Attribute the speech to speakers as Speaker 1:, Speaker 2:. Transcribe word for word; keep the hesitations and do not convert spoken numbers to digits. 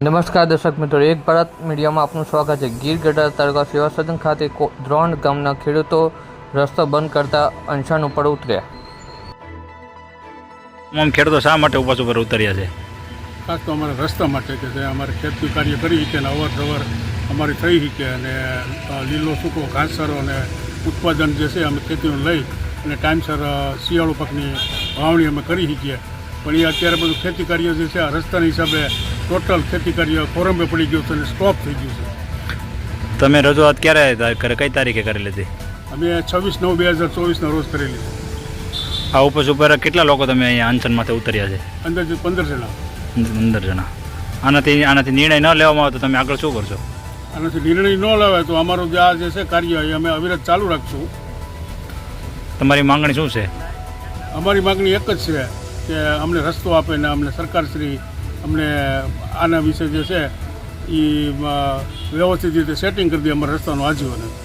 Speaker 1: નમસ્કાર દર્શક મિત્રો, એક ભારત મીડિયામાં આપનું સ્વાગત છે। ગીર ગઢડા તાલુકા સેવા સદન ખાતે દ્રોણ ગામના ખેડૂતો રસ્તો બંધ કરતા અનશન ઉપર ઉતર્યા।
Speaker 2: તમામ ખેડૂતો શા માટે ઉપવાસ ઉપર ઉતર્યા છે?
Speaker 3: ખાસ તો અમારા રસ્તા માટે કે જે અમારે ખેતી કાર્ય કરી શકે અને અવર જવર અમારી થઈ શકે અને લીલો સૂકો ઘાસચારો અને ઉત્પાદન જે છે અમે ખેતીનું લઈ અને ટાઈમસર શિયાળુ પાકની વાવણી અમે કરી શકીએ। પણ એ અત્યારે બધું ખેતી કાર્ય જે છે આ રસ્તાના હિસાબે ટોટલ ખેતી કાર્ય કોરંબે પડી ગયું છે અને સ્ટોપ થઈ ગયું છે।
Speaker 2: તમે રજૂઆત ક્યારે કરે, કઈ તારીખે કરી લીધી?
Speaker 3: અમે છવ્વીસ નવ બે હજાર ચોવીસના રોજ કરેલી।
Speaker 2: આ ઉપવાસ ઉપર કેટલા લોકો તમે અહીંયા અનશનમાંથી ઉતર્યા છે?
Speaker 3: અંદાજે પંદર જણા
Speaker 2: પંદર જણા। આનાથી આનાથી નિર્ણય ન લેવામાં આવે તો તમે આગળ શું કરશો?
Speaker 3: આનાથી નિર્ણય ન લેવાય તો અમારું જે આ જે છે કાર્ય એ અમે અવિરત ચાલુ રાખશું।
Speaker 2: તમારી માંગણી શું છે?
Speaker 3: અમારી માગણી એક જ છે કે અમને રસ્તો આપે ને અમને સરકારશ્રી અમને આના વિશે જે છે એ વ્યવસ્થિત રીતે સેટિંગ કરી દે અમારા રસ્તાનું આજીવન।